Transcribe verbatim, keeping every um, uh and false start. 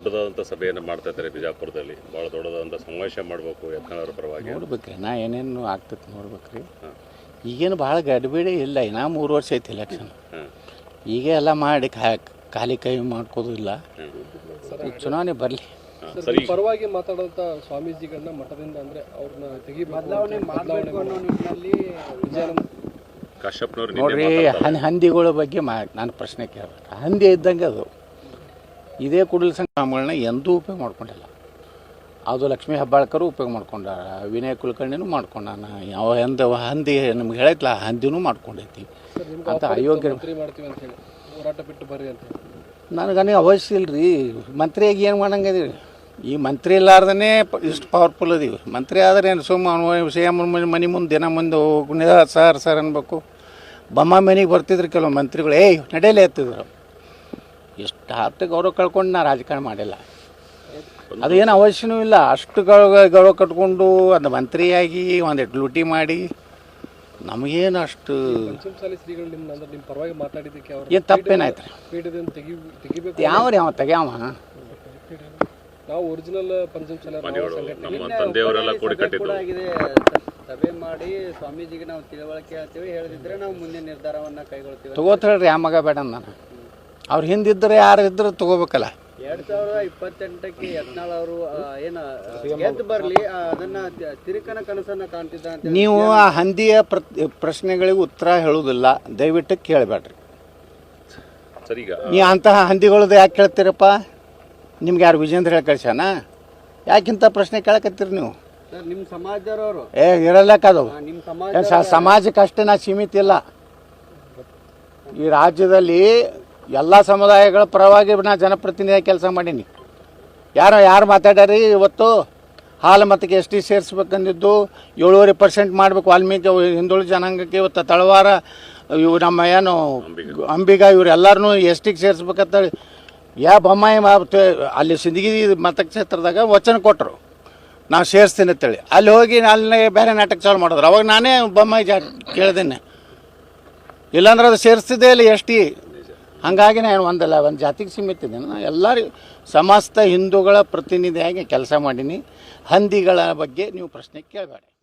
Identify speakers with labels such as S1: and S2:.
S1: ದೊಡ್ಡದಾದಂಥ ಸಭೆಯನ್ನು ಮಾಡ್ತಾ ಇದ್ದಾರೆ ಬಿಜಾಪುರದಲ್ಲಿ. ಭಾಳ ದೊಡ್ಡದಾದಂಥ ಸಮಾವೇಶ ಮಾಡಬೇಕು ಯತ್ನಾಳ್ ಪರವಾಗಿ.
S2: ನೋಡ್ಬೇಕ್ರಿ ನಾ ಏನೇನು ಆಗ್ತೈತೆ ನೋಡ್ಬೇಕ್ರಿ. ಈಗೇನು ಭಾಳ ಗಡಿಬಿಡಿ ಇಲ್ಲ, ಇನ್ನೂ ಮೂರು ವರ್ಷ ಐತಿ ಎಲೆಕ್ಷನ್. ಈಗ ಎಲ್ಲ ಮಾಡಿ ಖಾಲಿ ಕೈ ಮಾಡ್ಕೋದು ಇಲ್ಲ. ಚುನಾವಣೆ ಬರಲಿ.
S3: ಪರವಾಗಿ ಮಾತಾಡೋಂಥ ಸ್ವಾಮೀಜಿಗಳನ್ನ ಮಠದಿಂದ ಅಂದರೆ ಅವ್ರನ್ನ ತೆಗಿ ಬದಲಾವಣೆ ಮಾಡಬೇಕು ಅನ್ನೋ ನಿಟ್ಟಿನಲ್ಲಿ
S1: ಕಾಶ್ಯಪ್ನವ್ರು
S2: ನೋಡ್ರಿ, ಹನ್ ಹಂದಿಗಳ ಬಗ್ಗೆ ಮಾ ನಾನು ಪ್ರಶ್ನೆ ಕೇಳಬೇಕು. ಹಂದಿ ಇದ್ದಂಗೆ ಅದು. ಇದೇ ಕುಡಲ ಸಂಘಗಳನ್ನ ಎಂದೂ ಉಪಯೋಗ ಮಾಡ್ಕೊಂಡಿಲ್ಲ. ಅದು ಲಕ್ಷ್ಮೀ ಹೆಬ್ಬಾಳ್ಕರು ಉಪಯೋಗ ಮಾಡ್ಕೊಂಡಾರ, ವಿನಯ್ ಕುಲಕರ್ಣಿನೂ ಮಾಡ್ಕೊಂಡಾನ. ಯಾವ ಎಂದ ಹಂದಿ ನಮ್ಗೆ ಹೇಳೈತಲ್ಲ, ಹಂದಿನೂ ಮಾಡ್ಕೊಂಡೈತಿ ಅಂತ ಅಯೋಗ್ಯ.
S3: ಹೋರಾಟ ಬಿಟ್ಟು ಬರ್ರಿ ಅಂತ
S2: ನನಗನೇ ಅವಶ್ಯ ಇಲ್ರಿ. ಮಂತ್ರಿಯಾಗಿ ಏನು ಮಾಡಂಗದೀವಿ? ಈ ಮಂತ್ರಿ ಇಲ್ಲಾರ್ದೇ ಇಷ್ಟು ಪವರ್ಫುಲ್ ಅದೀವಿ. ಮಂತ್ರಿ ಆದರೆ ಏನು ಸುಮ್ಮ ಸಿ ಎಮ್ ಮನೆ ಮುಂದೆ ದಿನ ಮುಂದೆ ಹೋಗಿ ಸರ್ ಸರ್ ಅನ್ಬೇಕು. ಬೊಮ್ಮ ಮನೆಗೆ ಬರ್ತಿದ್ರು ಕೆಲವು ಮಂತ್ರಿಗಳು, ಏಯ್ ನಡೆಯಲೇ ಎತ್ತಿದ್ರು. ಎಷ್ಟು ಹತ್ತು ಗೌರವ ಕಳ್ಕೊಂಡು ನಾ ರಾಜಕಾರಣ ಮಾಡಿಲ್ಲ. ಅದೇನು ಅವಶ್ಯನೂ ಇಲ್ಲ. ಅಷ್ಟು ಗೌರವ ಗೌರವ ಕಟ್ಕೊಂಡು ಅದು ಮಂತ್ರಿಯಾಗಿ ಒಂದಿಟ್ಟು ಲೂಟಿ ಮಾಡಿ ನಮಗೇನು ಅಷ್ಟು ಏನು ತಪ್ಪೇನಾಯ್ತು ರೀ? ಯಾವ್ರಿ ಅವ ತೆಗ್ಯಾವ?
S3: ನಾವು ಒರಿಜಿನಲ್ ಪಂಚಮಸಾಲಿ
S1: ನಮ್ಮ ತಂದೆಯವರೆಲ್ಲ ಕೂಡಿ ಕಟ್ಟಿದ್ದು.
S4: ಸಭೆ ಮಾಡಿ ಸ್ವಾಮೀಜಿಗೆ ನಾವು ತಿಳುವಳಿಕೆ ಹೇಳ್ತೀವಿ, ಹೇಳಿದ್ರೆ ನಾವು ಮುಂದೆ ನಿರ್ಧಾರವನ್ನ ಕೈಗೊಳ್ತೀವಿ.
S2: ತಗೋತ ಹೇಳ್ರಿ, ಆ ಮಗ ಬೇಡ ನಾನು. ಅವ್ರು ಹಿಂದಿದ್ರೆ ಯಾರು ಇದ್ರೆ ತಗೋಬೇಕಲ್ಲ.
S4: ಎರಡ್ ಸಾವಿರದ ಇಪ್ಪತ್ತೆಂಟಕ್ಕೆ ಯತ್ನಾಳ್ ಅವರು ಏನ ಗೆದ್ದು ಬರ್ಲಿ ಅದನ್ನ ತಿರುಕನ ಕನಸನ್ನ ಕಾಣ್ತಿದ್ದ ಅಂತ.
S2: ನೀವು ಆ ಹಂದಿಯ ಪ್ರಶ್ನೆಗಳಿಗೆ ಉತ್ತರ ಹೇಳುವುದಿಲ್ಲ, ದಯವಿಟ್ಟು ಕೇಳಬೇಡ್ರಿ.
S1: ಸರಿಗ
S2: ನೀವು ಅಂತಹ ಹಂದಿಗಳದ್ದು ಯಾಕೆ ಕೇಳ್ತೀರಪ್ಪ? ನಿಮ್ಗೆ ಯಾರು ವಿಜೇಂದ್ರ ಹೇಳಿ ಕಳ್ಸ್ಯಾನ? ಯಾಕಿಂತ ಪ್ರಶ್ನೆ ಕೇಳಕತ್ತೀರಿ ನೀವು?
S4: ನಿಮ್ಮ ಸಮಾಜದವರು
S2: ಏ ಇರಲ್ಲಕ್ಕದು
S4: ನಿಮ್ಮ ಸಮಾಜ
S2: ಸಮಾಜಕ್ಕೆ ಅಷ್ಟೇ ನಾ ಸೀಮಿತ ಇಲ್ಲ. ಈ ರಾಜ್ಯದಲ್ಲಿ ಎಲ್ಲ ಸಮುದಾಯಗಳ ಪರವಾಗಿ ನಾ ಜನಪ್ರತಿನಿಧಿಯಾಗಿ ಕೆಲಸ ಮಾಡೀನಿ. ಯಾರೋ ಯಾರು ಮಾತಾಡ್ಯಾರಿ ಇವತ್ತು? ಹಾಲು ಮತಕ್ಕೆ ಎಸ್ ಟಿ ಸೇರಿಸ್ಬೇಕಂದಿದ್ದು ಏಳುವರೆ ಪರ್ಸೆಂಟ್ ಮಾಡಬೇಕು ವಾಲ್ಮೀಕಿ ಹಿಂದುಳಿದ ಜನಾಂಗಕ್ಕೆ. ಇವತ್ತು ತಳವಾರ ಇವು ನಮ್ಮ ಏನು ಅಂಬಿಗ ಇವ್ರು ಎಲ್ಲರೂ ಎಸ್ ಟಿಗೆ ಸೇರಿಸ್ಬೇಕಂತೇಳಿ ಯಾ ಬೊಮ್ಮಾಯಿ ಅಲ್ಲಿ ಸಿಂದಗಿ ಮತಕ್ಷೇತ್ರದಾಗ ವಚನ ಕೊಟ್ಟರು, ನಾವು ಸೇರಿಸ್ತೀನಿ ಅಂತೇಳಿ. ಅಲ್ಲಿ ಹೋಗಿ ಅಲ್ಲಿ ಬೇರೆ ನಾಟಕ ಚಾಲು ಮಾಡಿದ್ರು. ಅವಾಗ ನಾನೇ ಬೊಮ್ಮಾಯಿ ಜಾ ಕೇಳ್ದೇನೆ, ಇಲ್ಲಾಂದ್ರೆ ಅದು ಸೇರಿಸ್ತಿದ್ದೇ ಇಲ್ಲ ಎಸ್ ಟಿ. ಹಾಗಾಗಿ ನಾನು ಒಂದಲ್ಲ ಒಂದು ಜಾತಿಗೆ ಸೀಮಿತ ಇದ್ದೀನಿ. ನಾನು ಎಲ್ಲರಿಗೂ ಸಮಸ್ತ ಹಿಂದೂಗಳ ಪ್ರತಿನಿಧಿಯಾಗಿ ಕೆಲಸ ಮಾಡೀನಿ. ಹಂದಿಗಳ ಬಗ್ಗೆ ನೀವು ಪ್ರಶ್ನೆ ಕೇಳಬೇಡಿ.